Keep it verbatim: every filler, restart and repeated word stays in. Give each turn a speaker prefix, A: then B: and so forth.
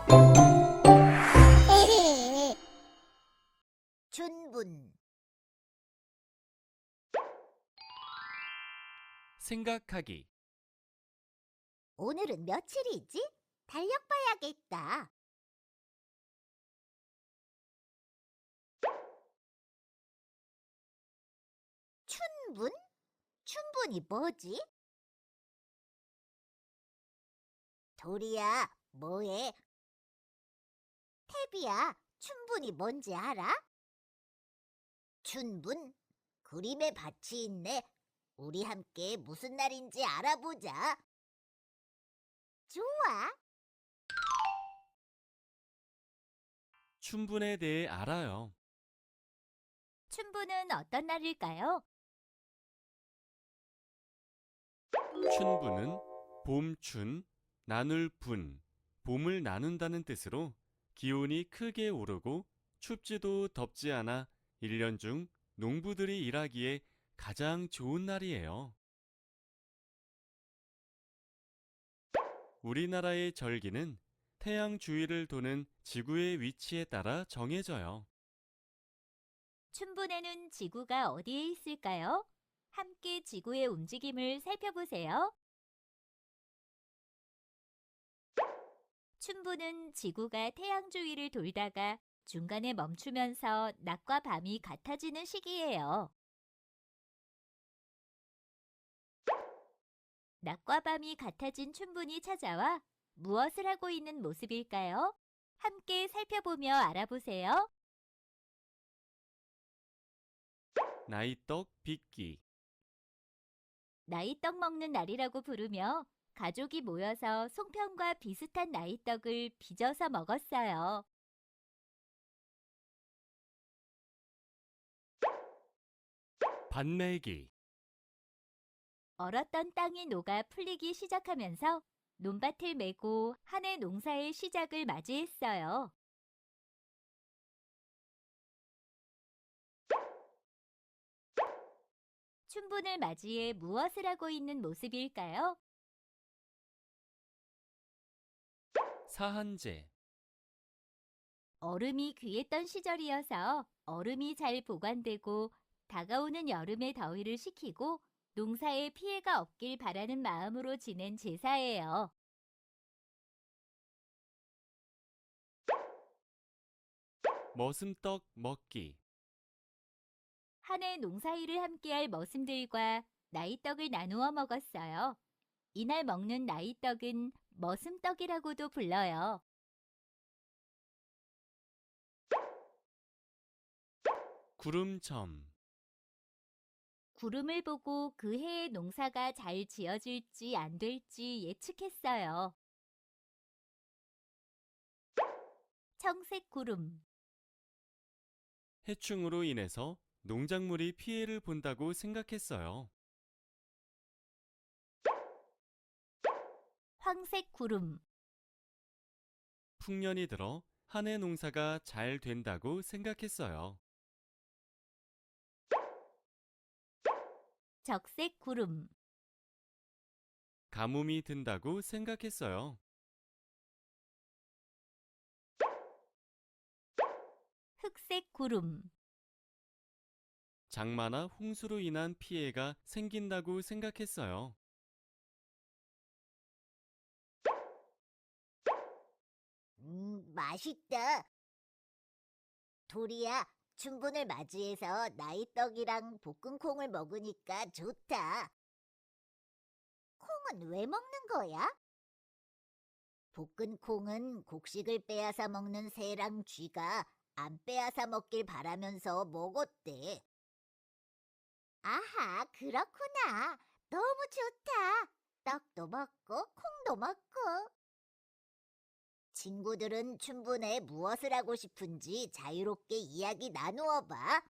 A: 춘분.
B: 생각하기.
A: 오늘은 며칠이지? 달력 봐야겠다. 춘분? 춘분이 뭐지? 도리야, 뭐해? 태비야, 춘분이 뭔지 알아? 춘분? 그림에 밭이 있네. 우리 함께 무슨 날인지 알아보자. 좋아.
B: 춘분에 대해 알아요.
A: 춘분은 어떤 날일까요?
B: 춘분은 봄춘, 나눌 분, 봄을 나눈다는 뜻으로 기온이 크게 오르고 춥지도 덥지 않아 일 년 중 농부들이 일하기에 가장 좋은 날이에요. 우리나라의 절기는 태양 주위를 도는 지구의 위치에 따라 정해져요.
A: 춘분에는 지구가 어디에 있을까요? 함께 지구의 움직임을 살펴보세요. 춘분은 지구가 태양 주위를 돌다가 중간에 멈추면서 낮과 밤이 같아지는 시기예요. 낮과 밤이 같아진 춘분이 찾아와 무엇을 하고 있는 모습일까요? 함께 살펴보며 알아보세요.
B: 나이떡 빚기.
A: 나이떡 먹는 날이라고 부르며 가족이 모여서 송편과 비슷한 나이떡을 빚어서 먹었어요.
B: 밭매기.
A: 얼었던 땅이 녹아 풀리기 시작하면서 논밭을 메고 한 해 농사의 시작을 맞이했어요. 춘분을 맞이해 무엇을 하고 있는 모습일까요?
B: 사한제.
A: 얼음이 귀했던 시절이어서 얼음이 잘 보관되고 다가오는 여름의 더위를 식히고 농사에 피해가 없길 바라는 마음으로 지낸 제사예요.
B: 머슴떡 먹기.
A: 한 해 농사일을 함께할 머슴들과 나이떡을 나누어 먹었어요. 이날 먹는 나이떡은 머슴떡이라고도 불러요.
B: 구름점.
A: 구름을 보고 그 해의 농사가 잘 지어질지 안 될지 예측했어요. 청색 구름.
B: 해충으로 인해서 농작물이 피해를 본다고 생각했어요.
A: 황색 구름.
B: 풍년이 들어 한 해 농사가 잘 된다고 생각했어요.
A: 적색 구름.
B: 가뭄이 든다고 생각했어요.
A: 흑색 구름.
B: 장마나 홍수로 인한 피해가 생긴다고 생각했어요.
A: 음, 맛있다. 도리야, 춘분을 맞이해서 나이떡이랑 볶은 콩을 먹으니까 좋다. 콩은 왜 먹는 거야? 볶은 콩은 곡식을 빼앗아 먹는 새랑 쥐가 안 빼앗아 먹길 바라면서 먹었대. 아하, 그렇구나. 너무 좋다. 떡도 먹고 콩도 먹고. 친구들은 춘분에 무엇을 하고 싶은지 자유롭게 이야기 나누어 봐.